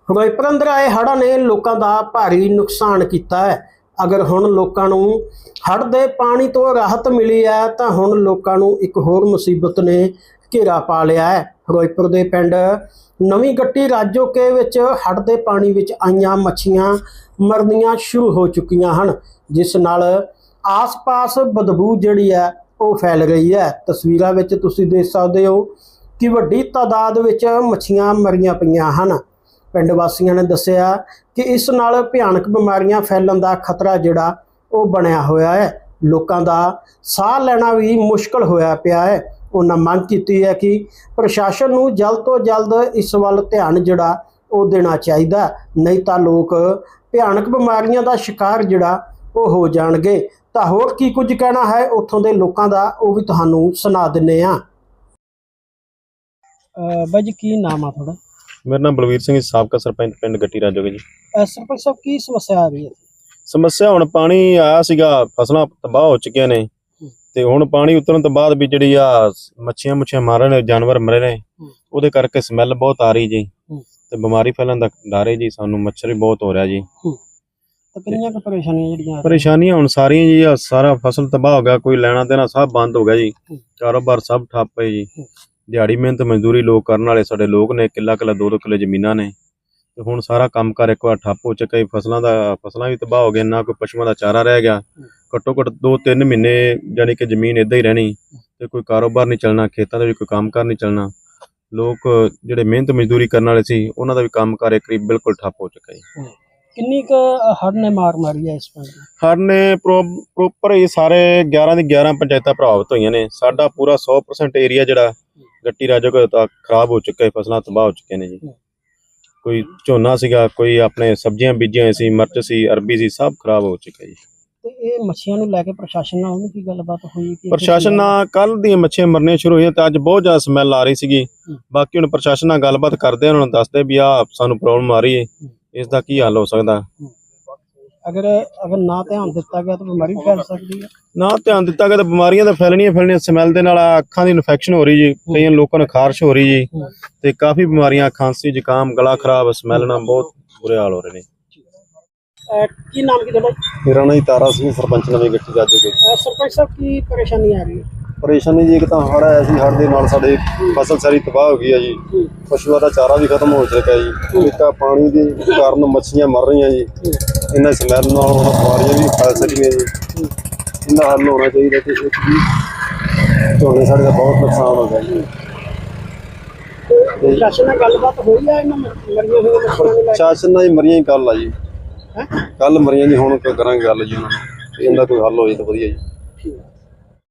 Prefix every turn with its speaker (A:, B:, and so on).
A: ਫਿਰੋਜ਼ਪੁਰ ਅੰਦਰ ਆਏ ਹੜ੍ਹਾਂ ਨੇ ਲੋਕਾਂ ਦਾ ਭਾਰੀ ਨੁਕਸਾਨ ਕੀਤਾ ਹੈ। अगर हुण लोकां नूं हड़ दे पानी तो राहत मिली है तो हुण लोकां नूं एक होर मुसीबत ने घेरा पा लिया है। फिरोजपुर दे पिंड नवीं गट्टी राजोके विच हड़ दे पानी विच आईयां मच्छियां मरनियां शुरू हो चुकियां हन, जिस नाल आस पास बदबू जिहड़ी है वो फैल रही है। तस्वीरां विच तुसीं देख सकदे हो कि वड्डी तादाद विच मच्छियां मरियां पईयां हन। पिंड वासियों ने दस्सिया कि इस नाल भयानक बीमारियां फैलण दा खतरा जिहड़ा वो बनया होया है। लोकां दा साह लैना भी मुश्किल होया पिया है। उन्होंने मंग की है कि प्रशासन नूं जल्द तो जल्द इस वल ध्यान जिहड़ा वो देना चाहिए, नहीं तो लोग भयानक बीमारियां दा शिकार जिहड़ा वो हो जाणगे। तां होर की कुछ कहना है उत्थों दे लोकां दा वो भी तुहानूं सुना दिंदे आ। बाई जी की नाम आ थोड़ा?
B: मेरा नाम बलवीर सिंह, साबका सरपंच पिंड गट्टी राजोगे जी।
A: सरपंच साहब की समस्या आ रही है?
B: समस्या हुण पानी आया सीगा, फसलां तबाह हो चुकियां ने ते हुण पानी उतरन तो बाद भी जिहड़ी आ मच्छियां मार रहे ने, जानवर मरे ने, ਉਹਦੇ ਕਰਕੇ ਸਮੈਲ ਬਹੁਤ ਆ ਰਹੀ ਜੀ ਤੇ ਬਿਮਾਰੀ ਫੈਲਣ ਦਾ ਡਰ ਹੈ ਜੀ। ਸਾਨੂੰ ਮੱਛਰ ਵੀ ਬਹੁਤ ਹੋ ਰਿਹਾ ਜੀ।
A: ਤਾਂ ਕਿੰਨੀਆਂ ਕੁ
B: ਪਰੇਸ਼ਾਨੀਆਂ ਹੁਣ ਸਾਰੀਆਂ ਜੀ, ਆ ਸਾਰਾ ਫਸਲ ਤਬਾਹ ਹੋ ਗਿਆ, ਕੋਈ ਲੈਣਾ ਦੇਣਾ ਸਭ ਬੰਦ ਹੋ ਗਿਆ ਜੀ, ਕਾਰੋਬਾਰ ਸਭ ਠੱਪ ਹੈ ਜੀ। ਦਿਹਾੜੀ ਮਿਹਨਤ ਮਜ਼ਦੂਰੀ ਲੋਕ ਕਰਨ ਵਾਲੇ ਸਾਡੇ ਲੋਕ ਨੇ, ਕਿੱਲਾ ਕਿੱਲਾ 2-2 ਕਿੱਲੇ ਜ਼ਮੀਨਾਂ ਨੇ ਤੇ ਹੁਣ ਸਾਰਾ ਕੰਮਕਾਰ ਇੱਕ ਵਾਰ ਠੱਪ ਹੋ ਚੁੱਕਾ। ਫਸਲਾਂ ਵੀ ਤਬਾਹ ਹੋ ਗਈਆਂ, ਨਾ ਕੋਈ ਪਸ਼ੂਆਂ ਦਾ ਚਾਰਾ ਰਹਿ ਗਿਆ। ਘੱਟੋ ਘੱਟ 2-3 ਮਹੀਨੇ ਜਾਨੀ ਕਿ ਜ਼ਮੀਨ ਇੱਦਾਂ ਹੀ ਰਹਿਣੀ ਤੇ ਕੋਈ ਕਾਰੋਬਾਰ ਨਹੀਂ ਚੱਲਣਾ, ਖੇਤਾਂ ਦੇ ਵੀ ਕੋਈ ਕੰਮਕਾਰ ਨਹੀਂ ਚੱਲਣਾ। ਲੋਕ ਜਿਹੜੇ ਮਿਹਨਤ ਮਜ਼ਦੂਰੀ ਕਰਨ ਵਾਲੇ ਸੀ ਉਹਨਾਂ ਦਾ ਵੀ ਕੰਮਕਾਰ ਕਰੀਬ ਬਿਲਕੁਲ ਠੱਪ ਹੋ ਚੁੱਕਾ ਜੀ।
A: ਕਿੰਨੀ ਕੁ ਹੜ੍ਹ ਨੇ ਮਾਰ ਮਾਰੀ ਹੈ ਇਸ ਪਿੰਡ?
B: ਹੜ੍ਹ ਨੇ ਪ੍ਰੋਪਰ ਇਹ ਸਾਰੇ 11 ਦੀ 11 ਪੰਚਾਇਤਾਂ ਪ੍ਰਭਾਵਿਤ ਹੋਈਆਂ ਨੇ। ਸਾਡਾ ਪੂਰਾ 100% ਏਰੀਆ ਜਿਹੜਾ गट्टी राजोगे तो खराब हो चुका है, फसलां तबाह हो चुके हैं जी। कोई झोना सीगा, कोई अपने सब्जियां बीजियां सी, मिर्च सी, अरबी सी, सब खराब हो चुका है जी।
A: ਤੇ ਇਹ ਮੱਛੀਆਂ ਨੂੰ ਲੈ ਕੇ ਪ੍ਰਸ਼ਾਸਨ ਨਾਲ ਉਹਨੂੰ ਕੀ ਗੱਲਬਾਤ ਹੋਈ? ਕਿ
B: ਪ੍ਰਸ਼ਾਸਨ ਨਾਲ ਕੱਲ ਦੀਆਂ ਮੱਛੀਆਂ ਮਰਨੀਆਂ ਸ਼ੁਰੂ ਹੋਈਆਂ ਤੇ ਅੱਜ ਬਹੁਤ ਜ਼ਿਆਦਾ ਸਮੈਲ ਆ ਰਹੀ ਸੀਗੀ। ਬਾਕੀ ਹੁਣ ਪ੍ਰਸ਼ਾਸਨ ਨਾਲ ਗੱਲਬਾਤ ਕਰਦੇ, ਉਹਨਾਂ ਨੂੰ ਦੱਸਦੇ ਵੀ ਆ ਸਾਨੂੰ ਪ੍ਰੋਬਲਮ ਆ ਰਹੀ ਹੈ, ਇਸ ਦਾ ਕੀ ਹੱਲ ਹੋ ਸਕਦਾ।
A: ਅਗਰ ਨਾ ਧਿਆਨ ਦਿੱਤਾ ਗਿਆ ਤਾਂ ਬਿਮਾਰੀ ਫੈਲ ਸਕਦੀ ਹੈ।
B: ਨਾ ਧਿਆਨ ਦਿੱਤਾ ਗਿਆ ਤਾਂ ਬਿਮਾਰੀਆਂ ਤਾਂ ਫੈਲਣੀਆਂ। ਸਮੈਲ ਦੇ ਨਾਲ ਅੱਖਾਂ ਦੀ ਇਨਫੈਕਸ਼ਨ ਹੋ ਰਹੀ ਜੀ, ਕਈਆਂ ਲੋਕਾਂ ਨੂੰ ਖਾਰਸ਼ ਹੋ ਰਹੀ ਜੀ ਤੇ ਕਾਫੀ ਬਿਮਾਰੀਆਂ, ਖਾਂਸੀ, ਜ਼ੁਕਾਮ, ਗਲਾ ਖਰਾਬ, ਸਮੈਲ ਨਾਲ ਬਹੁਤ ਬੁਰੇ ਹਾਲ ਹੋ ਰਹੇ ਨੇ।
A: ਕੀ ਨਾਮ ਕੀ ਤੁਹਾਡਾ?
B: ਮੇਰਾ ਨਾਮ ਤਾਰਾ ਸਿੰਘ, ਸਰਪੰਚ ਨਵੀਂ ਗੱਟੀ ਰਾਜੋਗੇ।
A: ਸਰਪੰਚ ਸਾਹਿਬ ਕੀ ਪਰੇਸ਼ਾਨੀ ਆ ਰਹੀ ਹੈ?
B: ਪਰੇਸ਼ਾਨੀ ਜੀ ਇੱਕ ਤਾਂ ਹੜ੍ਹ ਆਇਆ ਸੀ, ਹੜ੍ਹ ਦੇ ਨਾਲ ਸਾਡੇ ਫਸਲ ਸਾਰੀ ਤਬਾਹ ਹੋ ਗਈ ਹੈ ਜੀ। ਪਸ਼ੂਆਂ ਦਾ ਚਾਰਾ ਵੀ ਖਤਮ ਹੋ ਚੁੱਕਾ ਜੀ। ਇੱਕ ਪਾਣੀ ਦੇ ਕਾਰਨ ਮੱਛੀਆਂ ਮਰ ਰਹੀਆਂ ਜੀ। ਇਹਨਾਂ ਸਮੈਲ ਨਾਲ ਬਿਮਾਰੀਆਂ ਵੀ ਫੈਲ ਸਕਦੀਆਂ ਜੀ। ਇਹਦਾ ਹੱਲ ਹੋਣਾ ਚਾਹੀਦਾ ਕਿ ਝੋਨੇ ਸਾਡੇ ਦਾ ਬਹੁਤ ਨੁਕਸਾਨ ਹੋ ਗਿਆ ਜੀ।
A: ਪ੍ਰਸ਼ਾਸਨ ਨਾਲ ਗੱਲਬਾਤ ਹੋਈ ਆ ਇਹਨਾਂ ਮਰੀਆਂ ਹੋਈਆਂ ਮੱਛੀਆਂ ਨੂੰ ਲੈ ਕੇ?
B: ਪ੍ਰਸ਼ਾਸਨ ਨਾਲ ਹੀ ਮਰੀਆਂ ਹੀ ਕੱਲ ਆ ਜੀ, ਕੱਲ ਮਰੀਆਂ ਜੀ। ਹੁਣ ਕਰਾਂਗੇ ਗੱਲ ਜੀ ਉਹਨਾਂ ਨਾਲ, ਇਹਦਾ ਕੋਈ ਹੱਲ ਹੋ ਜਾਏ ਤਾਂ ਵਧੀਆ ਜੀ।